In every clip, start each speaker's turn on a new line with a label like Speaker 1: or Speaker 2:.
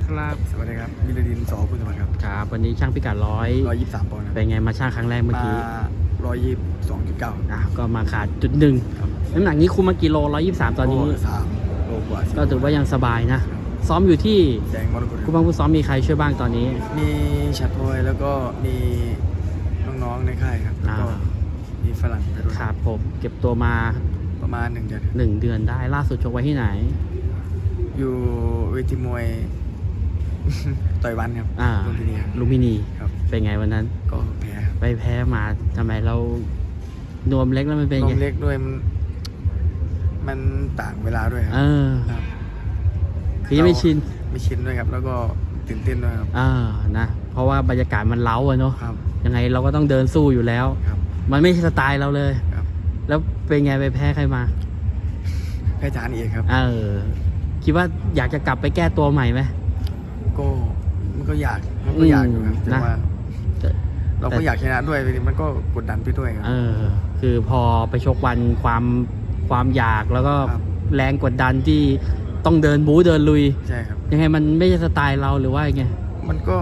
Speaker 1: ครับ
Speaker 2: สวัสดีครับมิลดินสอคุณสวัสดิ์ครับ
Speaker 1: ครับวันนี้ช่างพิกัด
Speaker 2: 123 ปอนด์ครับ
Speaker 1: เป็นไงมาช่างครั้งแรกเมื่อ
Speaker 2: มา
Speaker 1: กี้
Speaker 2: 122.9
Speaker 1: ก็มาขาดจุดหนึ่ง
Speaker 2: ครับ
Speaker 1: น้ำหนักนี้คุมมากี่โล123ตอนนี้
Speaker 2: 3 โลกว่า
Speaker 1: ก็ถือว่ายังสบายนะ ซ้อมอยู่ที่
Speaker 2: แดงมรกต
Speaker 1: คู่บ้างผู้ซ้อมมีใครช่วยบ้างตอนนี้
Speaker 2: มีชัดพลอยแล้วก็มีน้องๆในค่ายครับแล้วก็
Speaker 1: อ่า
Speaker 2: มีฝรั่งไปด้วย
Speaker 1: ครับผมเก็บตัวมา
Speaker 2: ประมาณ1 เดือน
Speaker 1: 1 เดือนได้ล่าสุดชกไว้ที่ไหน
Speaker 2: อยู่เวทีมวย ต่อยวันครับ
Speaker 1: อ่า
Speaker 2: ลุมพินีครับ
Speaker 1: ลุมพินี
Speaker 2: ครับ
Speaker 1: เป็นไงวันนั้น
Speaker 2: ก็แพ้ครับ
Speaker 1: ไปแพ้มาทำไมเรานวมเล็กแล้วมันเป็น
Speaker 2: น
Speaker 1: ไง
Speaker 2: มเล็กด้วยมันต่างเวลาด้วยค
Speaker 1: เอ
Speaker 2: รับ
Speaker 1: อ
Speaker 2: ครับ
Speaker 1: คือยังไม่ชิน
Speaker 2: ไม่ชินด้วยครับ แล้วก็ตื่นเต้นด้วยครับ
Speaker 1: นะเพราะว่าบรรยากาศมันเล้าอะเนาะ
Speaker 2: ครับ
Speaker 1: ยังไงเราก็ต้องเดินสู้อยู่แล้ว
Speaker 2: ครับ
Speaker 1: มันไม่ใช่สไตล์เราเลย
Speaker 2: ครับ
Speaker 1: แล้วเป็นไงไปแพ้ใครมา
Speaker 2: แพ้จานเอกครับ
Speaker 1: คิดว่าอยากจะกลับไปแก้ตัวใหม่ไหม
Speaker 2: ก็มันก็อยากอยู่ครับแต่
Speaker 1: นะ
Speaker 2: ว่าเราก็อยากชนะด้วยมันก็กดดันไปด้วยครับ
Speaker 1: คือพอไปชกวันความอยากแล้วก็
Speaker 2: ครับ
Speaker 1: แรงกดดันที่ต้องเดินบู๊เดินลุย
Speaker 2: ใช่ครับ
Speaker 1: ยังไงมันไม่ใช่สไตล์เราหรือว่ายังไง
Speaker 2: มันก็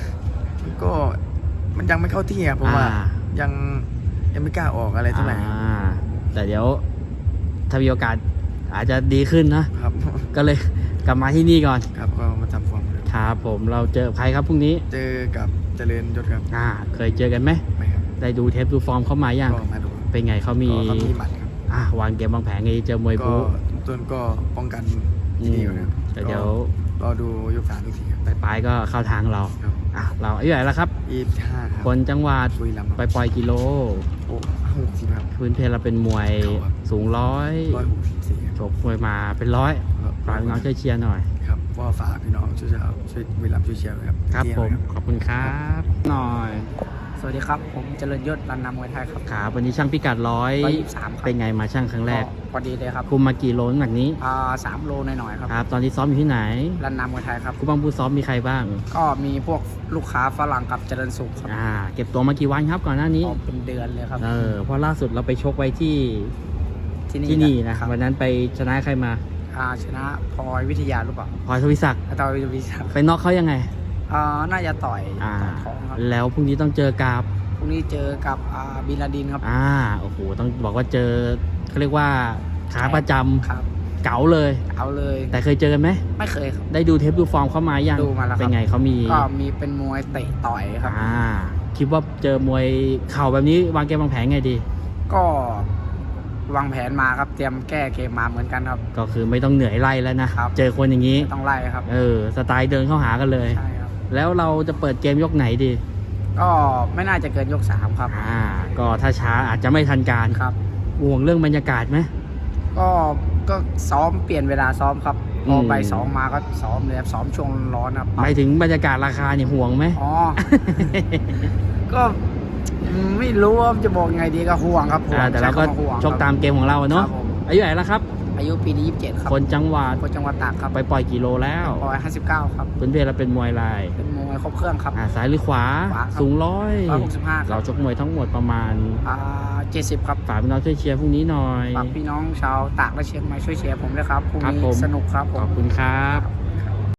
Speaker 2: มันยังไม่เข้าที่ครับเพราะว่า
Speaker 1: อ่า
Speaker 2: ยังไม่กล้าออกอะไรเท่าไหร่ครับ
Speaker 1: แต่เดี๋ยวถ้ามีโอกาสอาจจะดีขึ้นนะ
Speaker 2: ครับ
Speaker 1: ก็เลยกลับมาที่นี่ก่อน
Speaker 2: ครับก็มาทำฟอร์มครับ
Speaker 1: ครับผมเราเจอใครครับพรุ่งนี้
Speaker 2: เจอกับเจริญยศครับ
Speaker 1: เคยเจอกันไหม
Speaker 2: ไม่ครับ
Speaker 1: ได้ดูเทปดูฟอร์มเข้ามายัง
Speaker 2: ก็มาดู
Speaker 1: เป็นไงเขามี
Speaker 2: ก็เขามีหมัดครับ
Speaker 1: วางเกมวางแผนไงเจอมวย
Speaker 2: ก็
Speaker 1: บู๊
Speaker 2: ต้นก็ป้องกันที่ดีกว่านะครับ
Speaker 1: แต่เดี๋ยว
Speaker 2: รอดูยก3ยก4ครับ
Speaker 1: ปลายๆก็เข้าทางเรา
Speaker 2: ครับ
Speaker 1: เราอายุเท่าไหร่แล้วครับ
Speaker 2: 25ครับ
Speaker 1: คนจังหวัด
Speaker 2: บุรีรัมย์
Speaker 1: ไปปล่อยกิโล
Speaker 2: โอ้60ครับ
Speaker 1: พื้นเพเราเป็นมวย
Speaker 2: ครับ
Speaker 1: สูง
Speaker 2: 164ครับ
Speaker 1: ชกมวยมาเป็นร้อย
Speaker 2: ครับ
Speaker 1: ฝากน้องช่วยเชียร์หน่อย
Speaker 2: ครับว่าฝากพี่น้องช่วยบุรีรัมย์ช่วยเชียร์ด้วยครับ
Speaker 1: ครับ
Speaker 2: เชีย
Speaker 1: ผม
Speaker 2: ด้วย
Speaker 1: ขอบคุณครับหน่อย
Speaker 3: สวัสดีครับ ผมเจริญยศรันนำมวยไทยครับ
Speaker 1: ครับวันนี้ช่างพิกัด
Speaker 3: 123 ครับ
Speaker 1: เป็นไงมาช่างครั้งแรก
Speaker 3: พอดีเลยครับ
Speaker 1: คุมมากี่โลน้ำหนักนี้
Speaker 3: 3 โลหน่อยๆครับ
Speaker 1: ครับ ตอนที่ซ้อมอยู่ที่ไหน
Speaker 3: รันนำมวยไทยครับ
Speaker 1: คู่บ้างผู้ซ้อมมีใครบ้าง
Speaker 3: ก็มีพวกลูกค้าฝรั่งกับเจริญสุขครับ
Speaker 1: เก็บตัวมากี่วันครับก่อนหน้านี้
Speaker 3: ก็เป็นเดือนเลยครับ
Speaker 1: เพราะล่าสุดเราไปชกไว้ที่
Speaker 3: ที่
Speaker 1: นี่นะ
Speaker 3: ครับ
Speaker 1: วันนั้นไปชนะใครมา
Speaker 3: ชนะพลอยวิทยาหรือเปล่า
Speaker 1: พลอยทวิศักดิ์
Speaker 3: ต่อยวิทยา
Speaker 1: ไปน็อกเขายังไง
Speaker 3: น่าจะต่อย
Speaker 1: อ่า
Speaker 3: ท้องครับ
Speaker 1: แล้วพรุ่งนี้ต้องเจอกับ
Speaker 3: พรุ่งนี้เจอกับบินลาดินครับ
Speaker 1: โอ้โหต้องบอกว่าเจอเขาเรียกว่าขาประจำ
Speaker 3: ครับ
Speaker 1: เก๋าเลย
Speaker 3: เอาเลย
Speaker 1: แต่เคยเจอกันไหม
Speaker 3: ไม่เคยครับ
Speaker 1: ได้ดูเทปดูฟอร์มเขามายัง
Speaker 3: ดูมาแล้วครับ
Speaker 1: เป็นไงเขามี
Speaker 3: ก็มีเป็นมวยเตะต่อยครับ
Speaker 1: คิดว่าเจอมวยเข่าแบบนี้วางเกมวางแผนไงดี
Speaker 3: ก็วางแผนมาครับเตรียมแก้เกมมาเหมือนกันครับ
Speaker 1: ก็คือไม่ต้องเหนื่อยไล่แล้วนะ
Speaker 3: ครับ
Speaker 1: เจอคนอย่างนี้
Speaker 3: ต้องไล่ครับ
Speaker 1: สไตล์เดินเข้าหากันเลย
Speaker 3: ใช่ครับ
Speaker 1: แล้วเราจะเปิดเกมยกไหนดี
Speaker 3: ก็ไม่น่าจะเกินยก 3 ครับ
Speaker 1: ก็ถ้าช้าอาจจะไม่ทันการ
Speaker 3: ครับ
Speaker 1: ห่วงเรื่องบรรยากาศไหม
Speaker 3: ก็ซ้อมเปลี่ยนเวลาซ้อมครับพอ
Speaker 1: ม
Speaker 3: ไปซ้อมมาก็ซ้อมเลยครับซ้อมช่วงร้อนครับ
Speaker 1: หมายถึงบรรยากาศราคาเนี่ยห่วงไหม
Speaker 3: อ๋อ ก็ไม่รู้ว่าจะบอกไงดีก็ห่วงครับห่วง
Speaker 1: แต่เราก็
Speaker 3: ใช้คำว่ห่วง
Speaker 1: ชกตามเกมของเรา
Speaker 3: ค
Speaker 1: เนาะ
Speaker 3: รับผม
Speaker 1: อายุเท่าไหร่แล้วครับ
Speaker 3: อายุปีนี้27ครับ
Speaker 1: คนจังหวัด
Speaker 3: คนจังหวัดตากครับ
Speaker 1: ไปปล่อยกิโลแล้ว
Speaker 3: 159ครับ
Speaker 1: พื้นเพเราเป็นมวยลาย
Speaker 3: เป็นมวยครบเครื่องครับ
Speaker 1: ซ้ายหรือขวา
Speaker 3: ขวาครับ
Speaker 1: สูง
Speaker 3: 165ค
Speaker 1: เรา
Speaker 3: รับ
Speaker 1: ชกมวยทั้งหมดประมาณ
Speaker 3: 70 ครับ
Speaker 1: ฝากพี่น้องช่วยเชียร์พรุ่งนี้หน่อย
Speaker 3: ฝากพี่น้องชาวตากและเชียงใหม่ช่วยเชียร์ผมด้วยครับพรุ่ง
Speaker 1: ครับ
Speaker 3: นี้
Speaker 1: ผม
Speaker 3: สนุกครับผ
Speaker 1: ขอบ
Speaker 3: ม
Speaker 1: คุณครับ